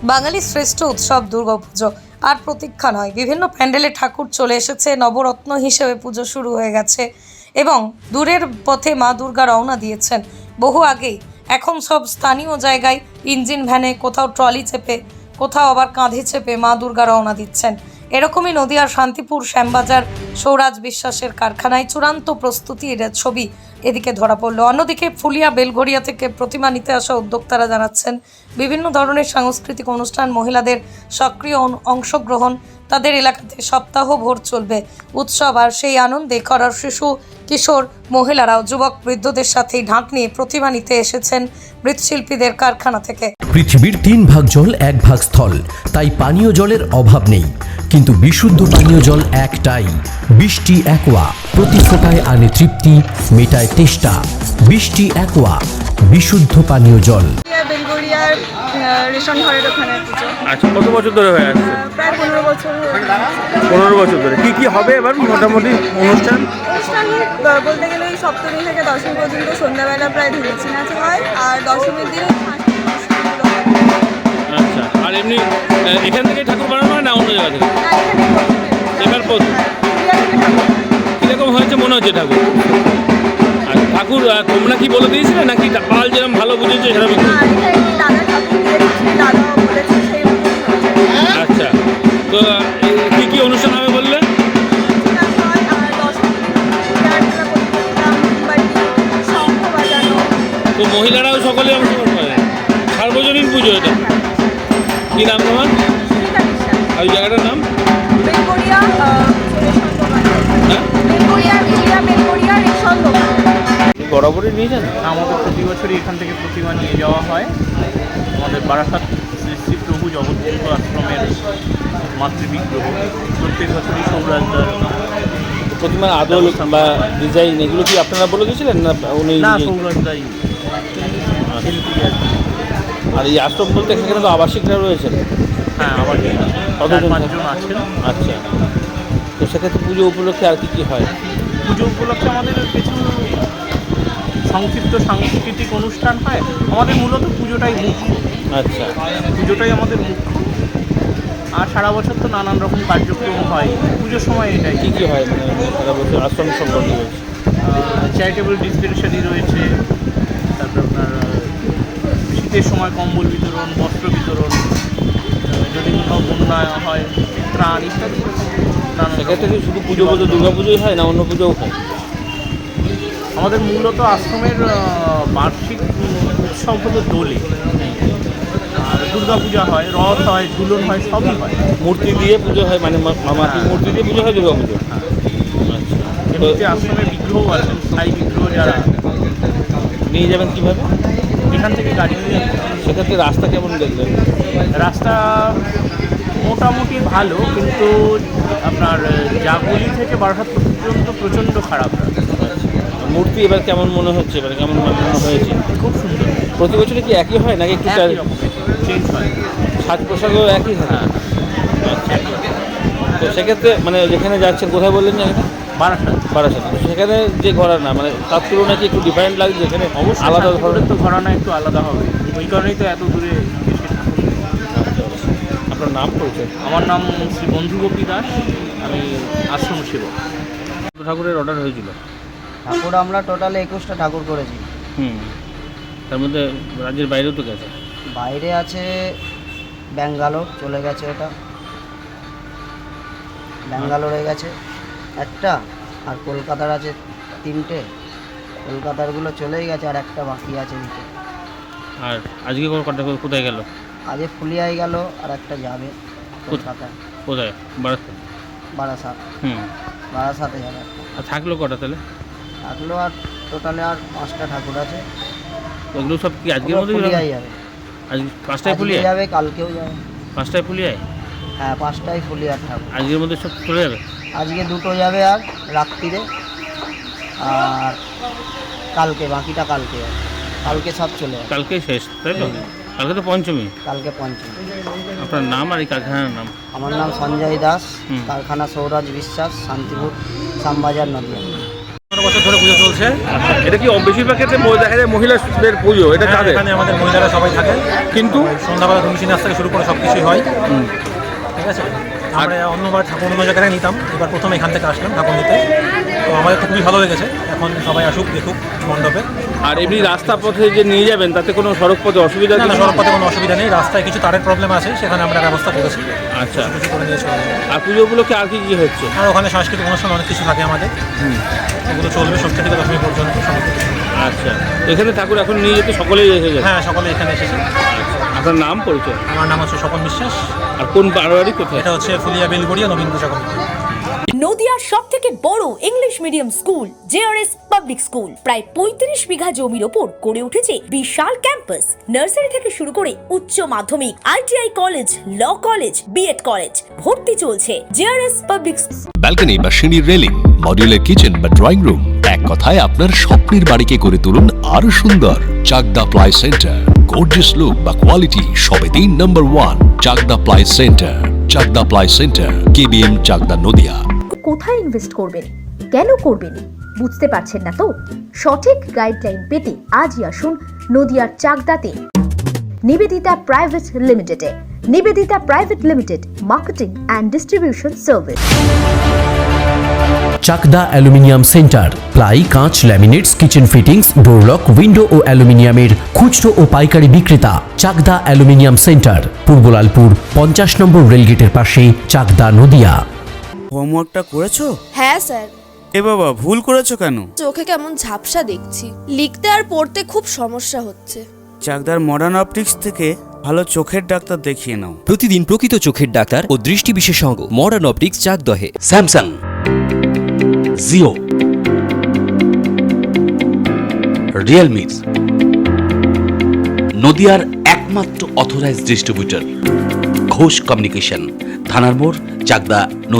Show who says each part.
Speaker 1: বাঙালির শ্রেষ্ঠ উৎসব দুর্গাপুজো আর প্রতীক্ষা নয়। বিভিন্ন প্যান্ডেলে ঠাকুর চলে এসেছে, নবরত্ন হিসেবে পুজো শুরু হয়ে গেছে এবং দূরের পথে মা দুর্গা রওনা দিয়েছেন বহু আগেই। এখন সব স্থানীয় জায়গায় ইঞ্জিন ভ্যানে, কোথাও ট্রলি চেপে, কোথাও আবার কাঁধে চেপে মা দুর্গা রওনা দিচ্ছেন। এরকমই নদিয়ার শান্তিপুর শ্যামবাজার সৌরাজ বিশ্বাসের কারখানায় চূড়ান্ত প্রস্তুতির ছবি এদিকে ধরা পড়ল। অন্যদিকে ফুলিয়া বেলঘরিয়া থেকে প্রতিমা নিতে আসা উদ্যোক্তারা জানাচ্ছেন বিভিন্ন ধরনের সাংস্কৃতিক অনুষ্ঠান, মহিলাদের সক্রিয় অংশগ্রহণ, তাদের এলাকাতে সপ্তাহভর চলবে উৎসব। আর সেই আনন্দে করার শিশু, কিশোর, মহিলারাও যুবক বৃদ্ধদের সাথেই ঢাক নিয়ে প্রতিমা নিতে এসেছেন মৃৎশিল্পীদের কারখানা থেকে।
Speaker 2: পৃথিবীর 3 ভাগ জল 1 ভাগ স্থল, তাই পানীয় জলের অভাব নেই। কিন্তু বিশুদ্ধ পানীয় জল একটাই, বৃষ্টি অ্যাকোয়া। প্রতি ফোঁটায় আনে তৃপ্তি, মেটায় তেষ্টা। বৃষ্টি অ্যাকোয়া, বিশুদ্ধ পানীয় জল।
Speaker 3: বেলগড়িয়ার রেশন ঘরের ওখানে পুজো।
Speaker 4: আচ্ছা, কত বছর ধরে হয়ে আসছে?
Speaker 3: প্রায় 15 বছর।
Speaker 4: 15 বছর ধরে। কি হবে এবার মোটামুটি অনুষ্ঠান?
Speaker 3: বলতে গেলে ওই সপ্তমী থেকে দশমী পর্যন্ত সন্ধ্যাবেলা প্রায় ধুলেছি নাচ হয়, আর দশমীর দিন
Speaker 4: আচ্ছা, আর এমনি এখান থেকে ঠাকুর বানানো হয় না অন্য জায়গা থেকে? এবার কীরকম হয়েছে মনে হচ্ছে ঠাকুর? আর ঠাকুর তোমরা কি বলে দিয়েছিলে নাকি পাল যেরকম ভালো বুঝেছে সেরকম? আচ্ছা, তো কি অনুষ্ঠান হবে বললে? তো মহিলারাও সকলে অংশগ্রহণ করে। সার্বজনীন পুজো এটা। কি নাম তোমার? আর ওই জায়গাটার নাম? বরাবরই নিয়ে যান?
Speaker 5: আমাদের প্রতি বছরই এখান থেকে প্রতিমা নিয়ে যাওয়া হয়। আমাদের বারাসাত শ্রী শ্রী প্রভু জগৎগুরু আশ্রমের মাতৃবিগ্রহ প্রত্যেক বছরই সৌরাজদার
Speaker 4: প্রতিমার আদল বা ডিজাইন এগুলো কি আপনারা বলে দিয়েছিলেন না উনি?
Speaker 5: না, সৌরাজদাই শিল্পী আর কি।
Speaker 4: আর এই আশ্রম বলতে এখানে তো আবাসিকরা রয়েছেন?
Speaker 5: হ্যাঁ, আবার 4-5 জন আছেন।
Speaker 4: আচ্ছা, তো সেক্ষেত্রে পুজো উপলক্ষে আর কি হয়?
Speaker 5: পুজো উপলক্ষে আমাদের কিছু সংক্ষিপ্ত সাংস্কৃতিক অনুষ্ঠান হয়। আমাদের মূলত পুজোটাই মুখ্য।
Speaker 4: আচ্ছা,
Speaker 5: পুজোটাই আমাদের মুখ্য। আর সারা বছর তো নানান রকম কার্যক্রম হয়। পুজোর সময় এটাই
Speaker 4: কী হয় মানে সারা বছর আশ্রম সম্পর্কে রয়েছে?
Speaker 5: চ্যারিটেবল ডিসপেনসারি রয়েছে, তারপর আপনার শীতের সময় কম্বল বিতরণ, বস্ত্র বিতরণ, যদি কোথাও বন্যা হয় ত্রাণ ইত্যাদি।
Speaker 4: সেক্ষেত্রে কি শুধু পুজো বলতে দুর্গা পুজোই হয় না অন্য পুজোও হয়?
Speaker 5: আমাদের মূলত আশ্রমের বার্ষিক উৎসব হলো দোলে, আর দুর্গা পূজা হয়, রথ হয়, ঝুলন হয়, সবই হয়।
Speaker 4: মূর্তি দিয়ে পুজো হয় মানে মাটির মূর্তি দিয়ে পুজো হয় দুর্গা পুজো? আচ্ছা,
Speaker 5: এমনিতে আশ্রমের বিগ্রহ আছেন, স্থায়ী বিগ্রহ যারা।
Speaker 4: নিয়ে যাবেন কীভাবে?
Speaker 5: এখান থেকে গাড়ি নিয়ে যেতে হবে।
Speaker 4: সেক্ষেত্রে রাস্তা কেমন দেখবেন?
Speaker 5: রাস্তা মোটামুটি ভালো, কিন্তু আপনার জাগুলি থেকে বারাসাত পর্যন্ত প্রচণ্ড খারাপ।
Speaker 4: মূর্তি এবার কেমন মনে হচ্ছে, এবার কেমন বানানো হয়েছে?
Speaker 5: খুব সুন্দর।
Speaker 4: প্রতি বছরে কি একই হয় নাকি একটু
Speaker 5: চেঞ্জ হয়?
Speaker 4: সাজ পোশাকও একই হয়? আচ্ছা, তো সেক্ষেত্রে মানে যেখানে যাচ্ছেন কোথায় বললেন যে? বারাসাত। সেখানে যে ঘরানা মানে তার তুলনায় কি একটু ডিফারেন্ট লাগছে? যেখানে
Speaker 5: অবশ্যই
Speaker 4: আলাদা ধরনের
Speaker 5: তো ঘরানা একটু আলাদা হবে, ওই কারণেই তো এত দূরে এসে।
Speaker 4: আপনার নাম পরিচয়?
Speaker 5: আমার নাম শ্রী বন্ধুগোপী দাস, আমি আশ্রম সেবক।
Speaker 4: ঠাকুরের অর্ডার হয়েছিল?
Speaker 6: ঠাকুর আমরা টোটাল 21টা ঠাকুর করেছি।
Speaker 4: তার মধ্যে রাজ্যের বাইরেও তো গেছে?
Speaker 6: বাইরে আছে ব্যাঙ্গালোর, চলে গেছে ওটা, ব্যাঙ্গালোরে গেছে একটা, আর কলকাতার আছে 3টে। কলকাতারগুলো চলেই গেছে, আর একটা বাকি আছে দিতে।
Speaker 4: আর আজকে কটা কোথায় গেল?
Speaker 6: আজকে ফুলিয়ায় গেল, আর একটা যাবে কলকাতায়।
Speaker 4: কোথায়? বারাসাত?
Speaker 6: বারাসাত। বারাসাতে যাবে একটা।
Speaker 4: আর থাকলো কটা তাহলে?
Speaker 6: থাকলো আর টোটালে আর 5টা ঠাকুর আছে।
Speaker 4: ওগুলো সব কি আজকের মধ্যে
Speaker 6: ফুলিয়ায় যাবে?
Speaker 4: আজ 5টায় ফুলিয়ায়
Speaker 6: যাবে, কালকেও যাবে।
Speaker 4: 5টায় ফুলিয়ায়?
Speaker 6: হ্যাঁ, 5টায় ফুলিয়ার ঠাকুর।
Speaker 4: আজকের মধ্যে সব চলে যাবে?
Speaker 6: আজকে 2টো যাবে আর রাত্রিরে, আর কালকে বাকিটা কালকে যাবে। কালকে সব চলে যাবে।
Speaker 4: কালকেই শেষ তাই তো? কালকে তো পঞ্চমী।
Speaker 6: কালকে পঞ্চমী।
Speaker 4: আপনার নাম আর এই কারখানার নাম?
Speaker 6: আমার নাম সঞ্জয় দাস, কারখানা সৌরাজ বিশ্বাস, শান্তিপুর, শ্যামবাজার, নদিয়া।
Speaker 7: বছর ধরে পুজো চলছে।
Speaker 4: এটা কি বেশিরভাগ ক্ষেত্রে দেখা যায় মহিলাদের পুজো, এটা
Speaker 7: হ্যাঁ,
Speaker 4: তাদের?
Speaker 7: এখানে আমাদের মহিলারা সবাই থাকে,
Speaker 4: কিন্তু
Speaker 7: সন্ধ্যাবেলা ধুমসি নাচ থেকে শুরু করে সব কিছুই হয়। ঠিক আছে, আমরা অন্যবার ঠাকুর অন্য জায়গায় নিতাম, এবার প্রথম এখান থেকে আসলাম ঠাকুর নিতে। তো আমাদের তো খুবই ভালো লেগেছে, এখন সবাই আসুক দেখুক মণ্ডপে।
Speaker 4: আর এমনি রাস্তা পথে যে নিয়ে যাবেন তাতে কোনো সড়ক পথে অসুবিধা
Speaker 7: না,
Speaker 4: কিছু?
Speaker 7: সড়ক পথে কোনো অসুবিধা নেই, রাস্তায় কিছু তারের প্রবলেম আছে, সেখানে আমরা ব্যবস্থা করেছি,
Speaker 4: আচ্ছা।
Speaker 7: কিছু করে নিয়ে চলে যাবো।
Speaker 4: আর পুজো উপলক্ষে আর কি কি হচ্ছে?
Speaker 7: আর ওখানে সাংস্কৃতিক অনুষ্ঠান অনেক কিছু থাকে আমাদের, ওগুলো চলবে ষষ্ঠী থেকে দশমী পর্যন্ত সমস্ত কিছু।
Speaker 4: আচ্ছা, এখানে ঠাকুর এখন নিয়ে যেতে সকলেই এসে যায়?
Speaker 7: হ্যাঁ, সকলে এখানে এসেছে।
Speaker 4: আপনার নাম পরিচয়?
Speaker 7: আমার নাম হচ্ছে স্বপন বিশ্বাস,
Speaker 4: আর কোন বারোয়ারি কোথায়?
Speaker 7: এটা হচ্ছে ফুলিয়া বেলগড়িয়া নবীন পূজা কমিটি।
Speaker 8: নদিয়ার সব থেকে বড় English medium school JRS public school প্রায় 35 বিঘা জমির ওপর গড়ে উঠেছে বিশাল ক্যাম্পাস। নার্সারি থেকে শুরু করে উচ্চ মাধ্যমিক, ITI college, law college, BEd college, ভর্তি চলছে জেআরএস পাবলিক।
Speaker 9: ব্যালকনি বা সিঁড়ির রেলিং, মডিউলার কিচেন বা ড্রয়িং রুম, এক কথায় আপনার স্বপ্নের বাড়িকে করে তুলুন আরো সুন্দর। Chakda ply centre, gorgeous look বা কোয়ালিটি সবে 3 নম্বর 1 Chakda ply centre. Chakda ply centre, KBM, Chakda, Nadia.
Speaker 10: কোথায় ইনভেস্ট করবেন, কেন করবেন বুঝতে পারছেন না তো? সঠিক গাইডলাইন পেতে আজই আসুন নদিয়ার চাকদাতে নিবেদিতা প্রাইভেট লিমিটেডে। Nibedita private limited, marketing and distribution service.
Speaker 2: Chakda aluminium centre, ply, কাঁচ, laminates, kitchen fittings, door lock, window ও অ্যালুমিনিয়ামের খুচরো ও পাইকারি বিক্রেতা। চাকদা অ্যালুমিনিয়াম সেন্টার, পূর্ব লালপুর 50 নম্বর রেলগেটের পাশে, চাকদা, নদিয়া।
Speaker 11: হোমওয়ার্কটা করেছো?
Speaker 12: হ্যাঁ স্যার।
Speaker 11: এ বাবা, ভুল করেছো কেন?
Speaker 12: চোখে কেমন ঝাপসা দেখছি, লিখতে আর পড়তে খুব সমস্যা হচ্ছে।
Speaker 11: চাকদার মডার্ন অপটিক্স থেকে ভালো চোখের ডাক্তার দেখিয়ে নাও।
Speaker 13: প্রতিদিন প্রকৃত চোখের ডাক্তার ও দৃষ্টি বিশেষজ্ঞ মডার্ন অপটিক্স, চাকদহে।
Speaker 9: স্যামসাং, জিও, রিয়েলমি, নদিয়ার একমাত্র অথরাইজড ডিস্ট্রিবিউটর ঘোষ কমিউনিকেশন, থানার মোড়, চাকদা।